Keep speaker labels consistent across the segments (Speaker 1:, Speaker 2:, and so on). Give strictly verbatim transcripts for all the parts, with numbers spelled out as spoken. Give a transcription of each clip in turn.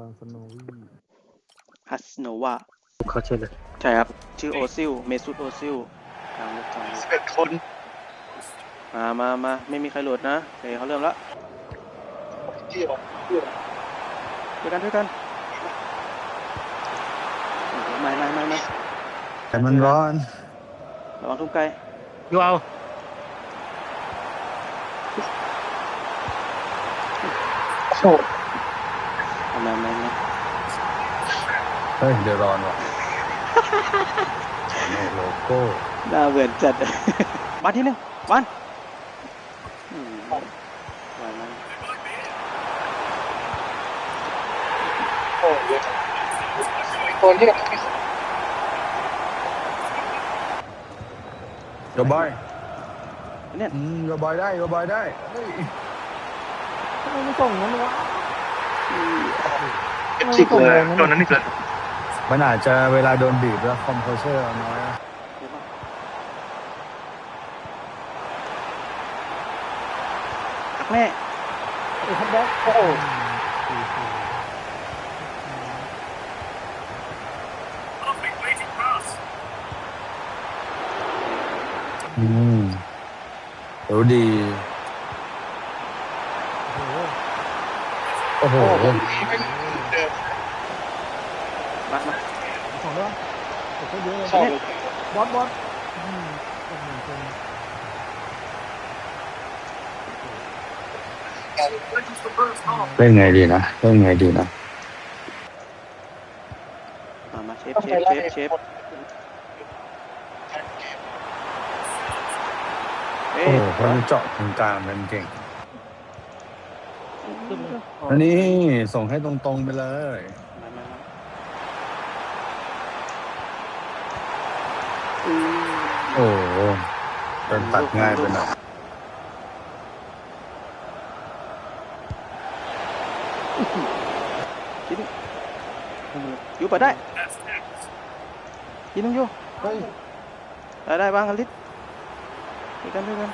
Speaker 1: สโนวี่
Speaker 2: ฮัสโนวา
Speaker 1: เขาชื่อเลย
Speaker 2: ใช่ครับชื่อโอซิลเมซุตโอซิลกลางลูกกลางลูก
Speaker 3: สิบเอ็ดคน
Speaker 2: มามามาไม่มีใครหลุดนะโอเคเขาเริ่มแล้ว
Speaker 3: เที่ยวเที่ยว
Speaker 2: ด้วยกันด้วยกันไม่ไม่ไม่ไม่
Speaker 1: แต่มันร้อน
Speaker 2: ระวังทุ่มไกล
Speaker 1: ยูเอา
Speaker 3: โอ้
Speaker 2: ไม่ไม่ไม่
Speaker 1: เฮ้ยเดือดร้อนว่ะโนโลโก้
Speaker 2: น่าเบื่อจัด วันที่หนึ่งวันอืมวันนั้น
Speaker 3: โหเยอะคนที่
Speaker 1: โยบอย
Speaker 2: เนี่ย
Speaker 1: อืมโยบอยได้โยบอยได้เฮ้ย
Speaker 4: ทำไมไม่ส่งนั้นวะ
Speaker 3: เอฟซีเกลือตอนนั้นนี่เกลือ
Speaker 1: มันอาจจะเวลาโดนบีบแล้วคอมโพเชอร์น้อยนะ
Speaker 2: เดี๋ยวก่อนหักแม่
Speaker 4: ไอ้ทับแบ็คโอ้โห
Speaker 1: อืมรู้ดี
Speaker 4: โอ้โห
Speaker 1: โอ้โห
Speaker 3: โอ้ไม่เดิม
Speaker 2: มามา
Speaker 4: สองด้วยโอ้โหเยอะเลย
Speaker 3: สอง
Speaker 4: บอสบอสอืมโอ้โหเกิน
Speaker 1: เล่นไงดีนะเล่นไงดีนะ
Speaker 2: มามาเชฟ
Speaker 3: ต้อง
Speaker 2: เช
Speaker 3: ไป
Speaker 2: ฟ
Speaker 3: ไล่
Speaker 2: เชฟเชฟเอ้
Speaker 1: โอ้
Speaker 2: ย
Speaker 1: โหเขาจะเจาะตรงกลางเป็นเก่ง
Speaker 4: ขึ้นเลย
Speaker 1: อันนี้ส่งให้ตรงๆไปเลย
Speaker 2: มามามา
Speaker 1: โอ้โหโดนตัดง่ายไปหน่อย
Speaker 2: ชิ้นยูเปิดได้ยินน้องยู
Speaker 4: เฮ้ย
Speaker 2: ได้ได้บ้างอลิสด้วยกันด้วยกัน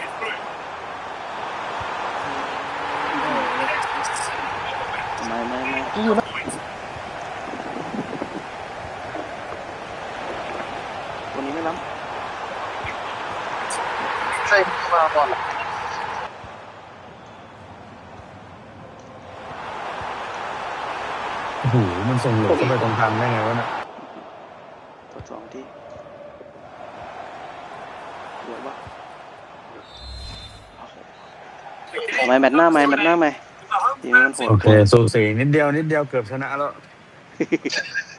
Speaker 2: ไม่ไม่ไม่
Speaker 4: อยู่นะ
Speaker 2: คนนี้ไม่ล้
Speaker 3: ใช่มาก่อน
Speaker 1: โอ้โหมันส่งหลุดเข้าไปตรงกลางได้ไงวะเนี่ย
Speaker 2: ำกดสองทีเดี๋ยววะไม่แมตช์หน้าไม่แมตช์หน้าไม่ทีนี้มันโหด
Speaker 1: โอเคสูสีนิดเดียวนิดเดียวเกือบชนะแล้ว